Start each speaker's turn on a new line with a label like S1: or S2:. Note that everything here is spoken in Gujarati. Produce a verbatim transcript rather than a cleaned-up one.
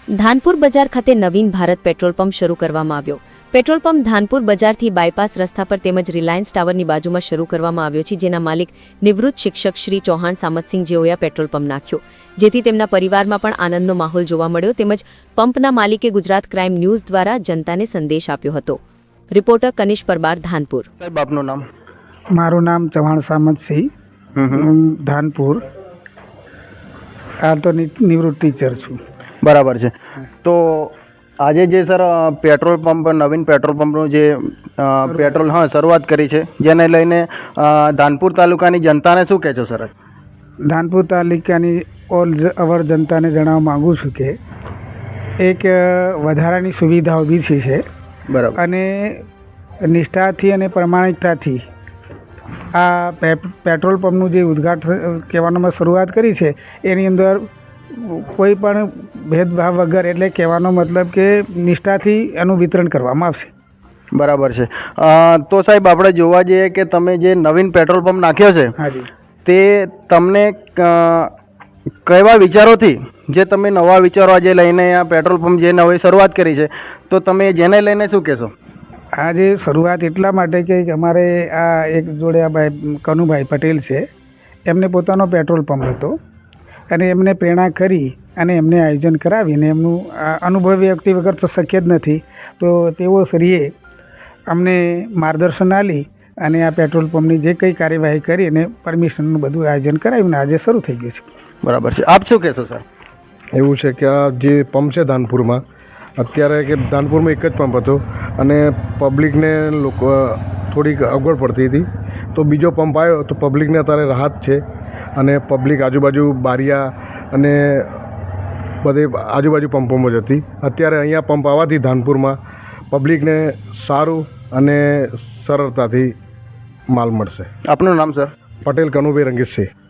S1: ધાનપુર બજાર ખાતે નવીન ભારત પેટ્રોલ પંપ શરૂ કરવામાં આવ્યો. પેટ્રોલ પંપ ધાનપુર બજારથી બાયપાસ રસ્તા પર તેમજ રિલાયન્સ ટાવરની બાજુમાં શરૂ કરવામાં આવ્યો છે, જેના માલિક નિવૃત્ત શિક્ષક શ્રી ચૌહાણ સામતસિંહ જેઓએ આ પેટ્રોલ પંપ નાખ્યો, જેથી તેમના પરિવારમાં પણ આનંદનો માહોલ જોવા મળ્યો. તેમજ પંપના માલિકે ગુજરાત ક્રાઇમ ન્યૂઝ દ્વારા જનતાને સંદેશ આપ્યો હતો. રિપોર્ટર કનિષ પરમાર, ધાનપુર.
S2: સાહેબ, આપનું નામ?
S3: મારું નામ ચૌહાણ સામતસિંહ, હું ધાનપુર હાલ તો નિવૃત્ત ટીચર છું.
S2: બરાબર છે. તો આજે જે સર પેટ્રોલ પંપ નવીન પેટ્રોલ પંપનું જે અ, પેટ્રોલ હા શરૂઆત કરી છે, જેને લઈને અ, ધાનપુર તાલુકાની જનતાને શું કહેશો સર?
S3: ધાનપુર તાલુકાની ઓલ અવર જનતાને જણાવવા માગું છું કે એક અ, વધારાની સુવિધા ઊભી થઈ છે
S2: બરાબર.
S3: અને નિષ્ઠાથી અને પ્રમાણિકતાથી આ પે- પેટ્રોલ પંપનું જે ઉદ્ઘાટન કહેવાનો શરૂઆત કરી છે, એની અંદર કોઈ પણ ભેદભાવ વગર, એટલે કહેવાનો મતલબ કે નિષ્ઠાથી એનું વિતરણ કરવામાં આવશે.
S2: બરાબર છે. અ, તો સાહેબ, આપણે જોવા જઈએ કે તમે જે નવીન પેટ્રોલ પંપ નાખ્યો છે,
S3: હાજી.
S2: તે તમને અ, કેવા વિચારોથી, જે તમે નવા વિચારો આજે લઈને આ પેટ્રોલ પંપ જે નવી શરૂઆત કરી છે, તો તમે જેને લઈને શું કહેશો?
S3: આ જે શરૂઆત એટલા માટે કે અમારે આ એક જોડે આ ભાઈ કનુભાઈ પટેલ છે, એમને પોતાનો પેટ્રોલ પંપ હતો અને એમને પ્રેરણા કરી અને એમને આયોજન કરાવીને એમનું આ અનુભવી વ્યક્તિ વગર તો શક્ય જ નથી, તો તેઓ શ્રીએ અમને માર્ગદર્શન આપી અને આ પેટ્રોલ પંપની જે કંઈ કાર્યવાહી કરી અને પરમિશનનું બધું આયોજન કરાવીને આજે શરૂ થઈ ગયું છે.
S2: બરાબર છે. આપ શું કહેશો સર?
S4: એવું છે કે આ જે પંપ છે ધાનપુરમાં, અત્યારે કે ધાનપુરમાં એક જ પંપ હતો અને પબ્લિકને લોકો થોડીક અગવડ પડતી હતી, તો બીજો પંપ આવ્યો તો પબ્લિકને અત્યારે રાહત છે અને પબ્લિક આજુબાજુ બારિયા અને બધે આજુબાજુ પંપોમાં જ હતી. અત્યારે અહીંયા પંપ આવવાથી ધાનપુરમાં પબ્લિકને સારું અને સરળતાથી માલ મળશે.
S2: આપનું નામ સર?
S4: પટેલ કનુભાઈ રંગીતસિંહ.